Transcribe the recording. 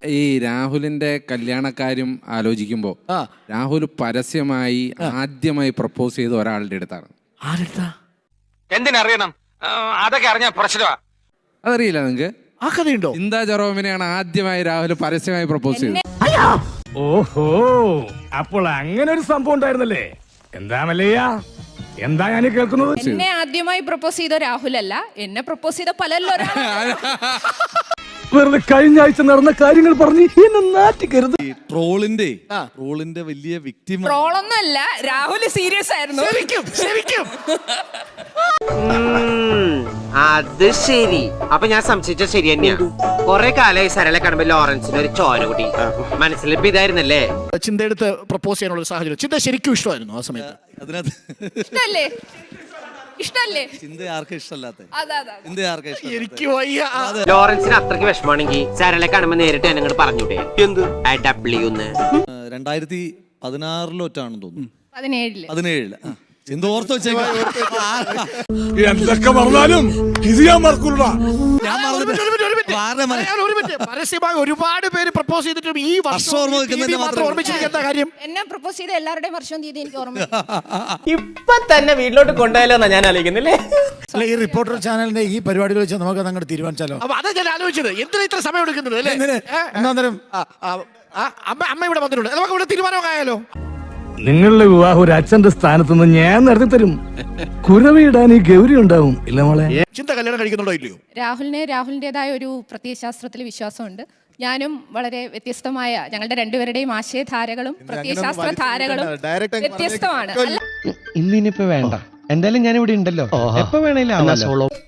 ഈ രാഹുലിന്റെ കല്യാണക്കാര്യം ആലോചിക്കുമ്പോ രാഹുൽ പരസ്യമായി ആദ്യമായി പ്രപ്പോസ് ചെയ്ത ഒരാളുടെ അടുത്താണ്. എന്തിനറിയണം? അതൊക്കെ അറിഞ്ഞ പ്രശ്നമാ. അതറിയില്ല നിങ്ങക്ക്? ആ കഥയുണ്ടോ? ചിന്താ ജെറോമിനെയാണ് ആദ്യമായി രാഹുൽ പരസ്യമായി പ്രപ്പോസ് ചെയ്തത്. ഓഹോ, അപ്പോൾ അങ്ങനെ ഒരു സംഭവം ഉണ്ടായിരുന്നല്ലേ? എന്താ മല്ലയ്യ, എന്താ ഞാൻ കേൾക്കുന്നത്? എന്നെ ആദ്യമായി പ്രപ്പോസ് ചെയ്ത രാഹുലല്ല, എന്നെ പ്രപ്പോസ് ചെയ്ത പലല്ലോ. വെറുതെ കഴിഞ്ഞ ആഴ്ച നടന്ന കാര്യങ്ങൾ പറഞ്ഞ് എന്നെ നാറ്റിക്കരുത്. ട്രോളിന്റെ വലിയ വിക്ടിം. ട്രോളൊന്നുമല്ല, രാഹുൽ സീരിയസ് ആയിരുന്നു. ശരിക്കും അത് ശരി. അപ്പൊ ഞാൻ സംശയിച്ച ശരി തന്നെയാ. കൊറേ കാലമായി സരളെ കാണുമ്പോ ലോറൻസിന് ഒരു ചോര കൂടി മനസ്സിലിപ്പോ ഇതായിരുന്നല്ലേ. ചിന്തയെടുത്ത് പ്രപ്പോസ് ചെയ്യാനുള്ള ഒരു സാഹചര്യം. ചിന്ത ശരിക്കും ഇഷ്ടമായിരുന്നു ആ സമയത്ത്. ഇഷ്ടല്ലേ? ഇഷ്ടല്ലേ? ചിന്ത ആർക്കും ഇഷ്ടമല്ലാത്ത. എനിക്ക് വയ്യ. ലോറൻസിന് അത്രയ്ക്ക് വിഷമാണെങ്കിൽ സരളെ കാണുമ്പോ നേരിട്ട് എന്നെ അങ്ങോട്ട് പറഞ്ഞൂടെ? എന്ത് 2016 തോന്നുന്നു. 17 ചിന്ത ഓർത്ത് വെച്ചേക്കാം. എന്തൊക്കെ പറഞ്ഞാലും ഇത് ഞാൻ മറക്കൂല. പരസ്യമായി ഒരുപാട് പേര് പ്രപ്പോസ് ചെയ്തിട്ടും ഈ വർഷം ഓർമ്മിച്ചിരിക്കുന്ന കാര്യം. എന്നെ പ്രപ്പോസ് ചെയ്ത എല്ലാവരുടെയും വർഷവും തീയതി എനിക്ക് ഓർമ്മ. ഇപ്പൊ തന്നെ വീട്ടിലോട്ട് കൊണ്ടുപോയാലോന്നാ ഞാൻ ആലോചിക്കുന്നില്ലേ? അല്ല, ഈ റിപ്പോർട്ടർ ചാനലിന്റെ ഈ പരിപാടികൾ വെച്ച് നമുക്ക് അതങ്ങോട്ട് തീരുമാനിച്ചാലോ? അപ്പൊ അതാ ഞാൻ ആലോചിച്ചത്, എന്തിനാ ഇത്ര സമയം എടുക്കുന്നത് അല്ലേ? അമ്മ ഇവിടെ വന്നിട്ടുണ്ട്, നമുക്ക് ഇവിടെ തീരുമാനമൊക്കെ ആയാലോ? നിങ്ങളുടെ വിവാഹം ഒരു അച്ഛന്റെ സ്ഥാനത്ത് നിന്ന് ഞാൻ നടത്തി തരും. കുരവിടാൻ ഈ ഗൗരി ഉണ്ടാവും, ഇല്ല മോളെ? ചിന്ത കല്യാണം കഴിക്കുന്നുണ്ടോ ഇല്ലയോ? രാഹുലിൻ്റെതായ ഒരു പ്രത്യയശാസ്ത്രത്തിൽ വിശ്വാസമുണ്ട്. ഞാനും വളരെ വ്യത്യസ്തമായ, ഞങ്ങളുടെ രണ്ടുപേരുടെയും ആശയധാരകളും പ്രത്യയശാസ്ത്ര ധാരകളും വ്യത്യസ്തമാണ്. ഇന്നിനിപ്പോ വേണ്ട, എന്തായാലും ഞാൻ ഇവിടെ ഉണ്ടല്ലോ, എപ്പോ വേണേലും